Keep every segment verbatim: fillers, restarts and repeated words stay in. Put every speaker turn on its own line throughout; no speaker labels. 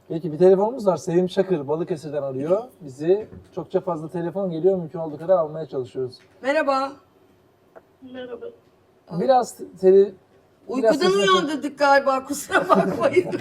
Peki bir telefonumuz var. Sevim Çakır Balıkesir'den arıyor bizi. Çokça fazla telefon geliyor. Mümkün olduğu kadar almaya çalışıyoruz.
Merhaba.
Merhaba.
Biraz tele... biraz
Uykudan
sesini-
uyandırdık galiba, kusura bakmayın.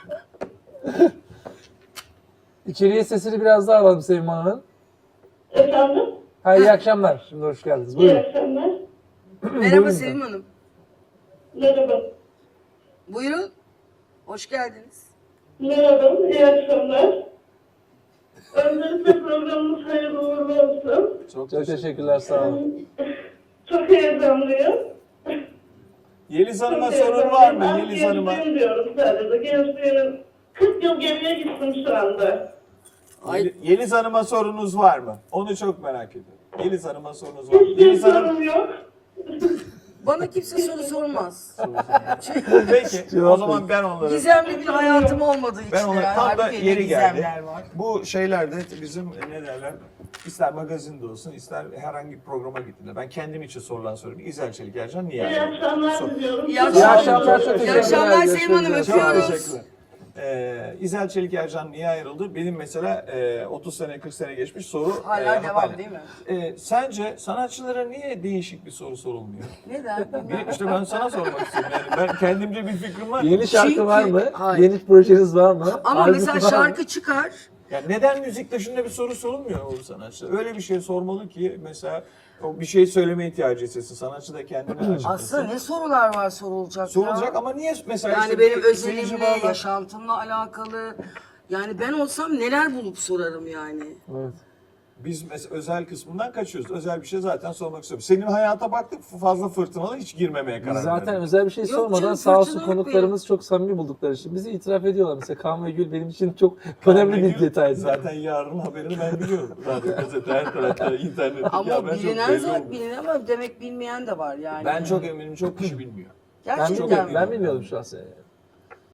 İçeriye sesini biraz daha alalım Sevim Hanım'ın.
Efendim?
Ha, iyi akşamlar. Şimdi hoş geldiniz.
İyi
Buyurun.
akşamlar.
Merhaba
Buyurun.
Sevim Hanım.
Merhaba.
Buyurun. Hoş geldiniz.
Merhaba, iyi akşamlar. Öncelikle programımız hayırlı uğurlu olsun.
Çok, Çok teşekkürler. Sağ olun.
Çok heyecanlıyım.
Yeliz Hanım'a
Çok
sorun
heyecanlıyım.
var mı?
Ben
Yeliz Hanım'a.
gençliğim diyorum sadece. Gençliğimin kırk yıl geriye gittim şu anda.
Ay,
Yeli- Yeliz Hanım'a sorunuz var mı? Onu çok merak ediyorum. Yeliz Hanım'a sorunuz var mı?
Hiçbir
Yeliz Hanım.
sorun yok.
bana kimse soru sormaz.
Peki o zaman ben onlara...
Gizemli bir hayatım olmadığı için.
Ben ona
herhalde.
tam da
Halbuki
yeri
ne
geldi.
gizemler var.
Bu şeylerde bizim ne derler, ister magazinde olsun, ister herhangi bir programa gittiğinde ben kendim için sorulan soruyorum. İzel Çelik Ercan niye
İyi
ayrıldı?
akşamlar
Sor.
diliyorum.
İyi akşamlar.
İyi akşamlar. Çok
İyi
teşekkürler.
akşamlar Sevim Hanım,
Görüşmek üzere.
Çok
öpüyoruz.
teşekkürler. Ee, İzel Çelik Ercan niye ayrıldı? Benim mesela e, otuz sene kırk sene geçmiş soru.
Hala
e,
devam
hala.
değil mi?
E, sence sanatçılara niye değişik bir soru sorulmuyor?
Neden?
Bir, işte ben sana sormak istiyorum. Yani ben kendimce bir fikrim var.
Yeni şarkı
Çünkü-
var mı?
Hayır.
Yeni projeniz var mı?
Ama
Albüm
mesela
var mı?
şarkı çıkar.
Ya neden müzik dışında bir soru sorulmuyor o sanatçı? Öyle bir şey sormalı ki mesela o bir şey söyleme ihtiyacı hissetsin. Sanatçı da kendini açıklasın.
Aslında ne sorular var sorulacak
Sorulacak
ya?
ama niye mesela
Yani
işte
benim
bir seyirci
özelimle,
bağlar-
yaşantımla alakalı. Yani ben olsam neler bulup sorarım yani.
Evet.
Biz mesela özel kısmından kaçıyoruz. Özel bir şey zaten sormak istiyorum. Senin hayata baktık fazla fırtınalı hiç girmemeye karar
Biz zaten
verdik.
özel bir şey
Yok
sormadan
canım,
sağ olsun
fırçalı yok
konuklarımız çok samimi buldukları için bizi itiraf ediyorlar. Mesela Kaan ve Gül benim için çok önemli bir detay.
Zaten yarın haberini ben biliyorum. Radyo, gazete, her tarafta, internet.
Ama
Ya ben çok
bilinen
belli
zaten
oldu.
bilinen ama demek bilmeyen de var yani.
Ben çok eminim çok kişi bilmiyor.
Ben
Gerçekten
bilmiyorum,
mi?
ben bilmiyordum şahsen.